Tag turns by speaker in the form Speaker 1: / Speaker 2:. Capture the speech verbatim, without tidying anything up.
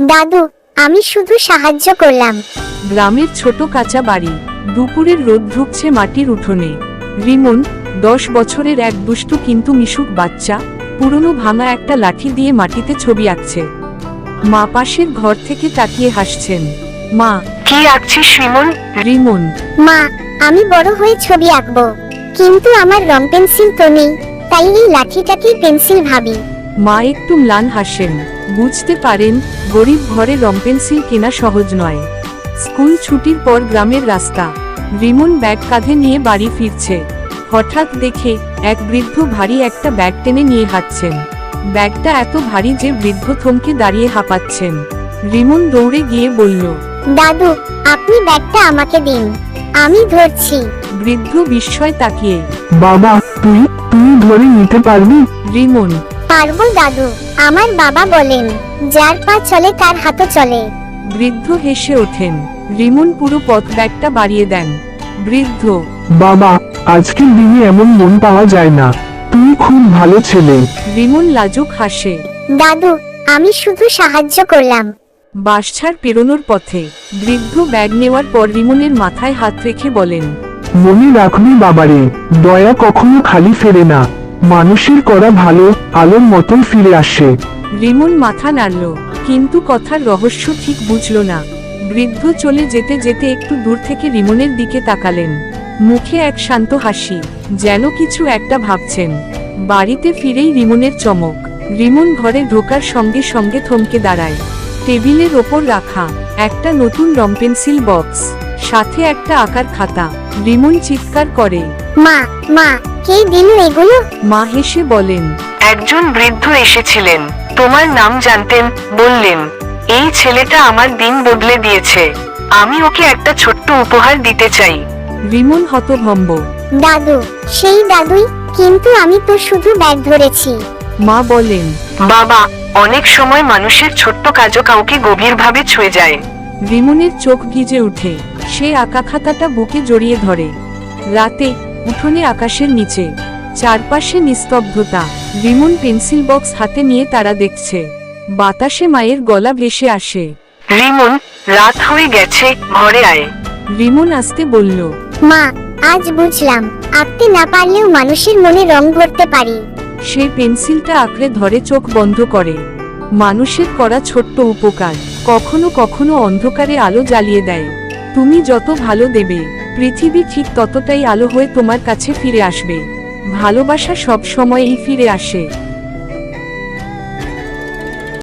Speaker 1: দাদু, আমি শুধু সাহায্য করলাম।
Speaker 2: গ্রামের ছোট কাঁচা বাড়ি, দুপুরের রোদ ঢুকছে মাটির উঠোনে। রিমন, দশ বছরের এক দুষ্টু কিন্তু মিশুক বাচ্চা, পুরনো ভাঙা একটা লাঠি দিয়ে মাটিতে ছবি আঁকছে। মা পাশের ঘর থেকে তাকিয়ে হাসছেন। মা,
Speaker 3: কি আঁকছিস রিমন?
Speaker 2: রিমন,
Speaker 1: মা, আমি বড় হয়ে ছবি আঁকবো, কিন্তু আমার রং পেন্সিল তো নেই, তাই এই লাঠিটাকেই পেন্সিল ভাবি।
Speaker 2: মা একটু ম্লান হাসেন। বুঝতে পারেন গরিব ঘরে রং পেন্সিল কেনা সহজ নয়। স্কুল ছুটির পর গ্রামের রাস্তা। রিমন ব্যাগ কাঁধে নিয়ে বাড়ি ফিরছে। হঠাৎ দেখে এক বৃদ্ধ ভারী একটা ব্যাগ টেনে নিয়ে হাঁটছেন। ব্যাগটা এত ভারী যে বৃদ্ধ থমকে দাঁড়িয়ে হাঁপাচ্ছেন। রিমন দৌড়ে গিয়ে বলল,
Speaker 1: দাদু, আপনি ব্যাগটা আমাকে দিন, আমি ধরছি।
Speaker 2: বৃদ্ধ বিস্ময় তাকিয়ে,
Speaker 4: বাবা, তুই তুই ধরে নিতে পারবি?
Speaker 2: রিমন,
Speaker 1: পারবো দাদু, আমার বাবা বলেন, যার পা চলে তার হাতও চলে।
Speaker 2: বৃদ্ধ হেসে ওঠেন। রিমন পুরো পথ ব্যাগটা বাড়িয়ে দেন। বৃদ্ধ,
Speaker 4: বাবা, আজকের দিনে এমন মন পাওয়া যায় না। তুই খুব ভালো ছেলে।
Speaker 2: রিমন লাজুক হাসে।
Speaker 1: দাদু, আমি শুধু সাহায্য করলাম।
Speaker 2: বাসছাড় পেরোনোর পথে বৃদ্ধ ব্যাগ নেওয়ার পর রিমনের মাথায় হাত রেখে বলেন,
Speaker 4: মনে রাখবি বাবারে, দয়া কখনো খালি ফেরে না। মানুষের করা ভালো আলোর মতন ফিরে আসে।
Speaker 2: রিমন মাথা নাড়ল, কিন্তু কথার রহস্য ঠিক বুঝল না। বৃদ্ধ চলে যেতে যেতে একটু দূর থেকে রিমনের দিকে তাকালেন। মুখে এক শান্ত হাসি, যেন কিছু একটা ভাবছেন। বাড়িতে ফিরেই রিমনের চমক। রিমন ঘরে ঢোকার সঙ্গে সঙ্গে থমকে দাঁড়ায়। টেবিলের ওপর রাখা একটা নতুন রং পেন্সিল বক্স, সাথে একটা আঁকার খাতা। রিমন চিৎকার করে,
Speaker 1: মা, মা, কে দিল এগুলো?
Speaker 2: মা হেসে বলেন,
Speaker 3: একজন বৃদ্ধ এসেছিলেন, তোমার নাম জানতেন, বললেন এই ছেলেটা আমার দিন বদলে দিয়েছে, আমি ওকে একটা ছোট্ট উপহার দিতে চাই।
Speaker 2: রিমন হতভম্ব।
Speaker 1: দাদু, সেই দাদুই, কিন্তু আমি তো শুধু ব্যাগ ধরেছি।
Speaker 2: মা বলেন,
Speaker 3: বাবা, অনেক সময় মানুষের ছোট্ট কাজও কাউকে গভীরভাবে ছুঁয়ে যায়।
Speaker 2: রিমনের চোখ ভিজে উঠে। সে আঁকা খাতাটা বুকে জড়িয়ে ধরে। রাতে উঠোনে আকাশের নিচে চারপাশে নিস্তব্ধতা। রিমন পেন্সিল বক্স হাতে নিয়ে তারা দেখছে। বাতাসে মায়ের গলা ভেসে আসে,
Speaker 3: রিমন, রাত হয়ে গেছে, ঘরে আয়।
Speaker 2: রিমন আসতে বলল,
Speaker 1: মা, আজ বুঝলাম, আঁকতে না পারলেও মানুষের মনে রং ভরতে পারি।
Speaker 2: সে পেন্সিলটা আঁকড়ে ধরে চোখ বন্ধ করে। মানুষের করা ছোট্ট উপকার কখনো কখনো অন্ধকারে আলো জ্বালিয়ে দেয়। তুমি যত ভালো দেবে, পৃথিবী ঠিক ততটাই আলো হয়ে তোমার কাছে ফিরে আসবে। ভালোবাসা সব সময়ই ফিরে আসে।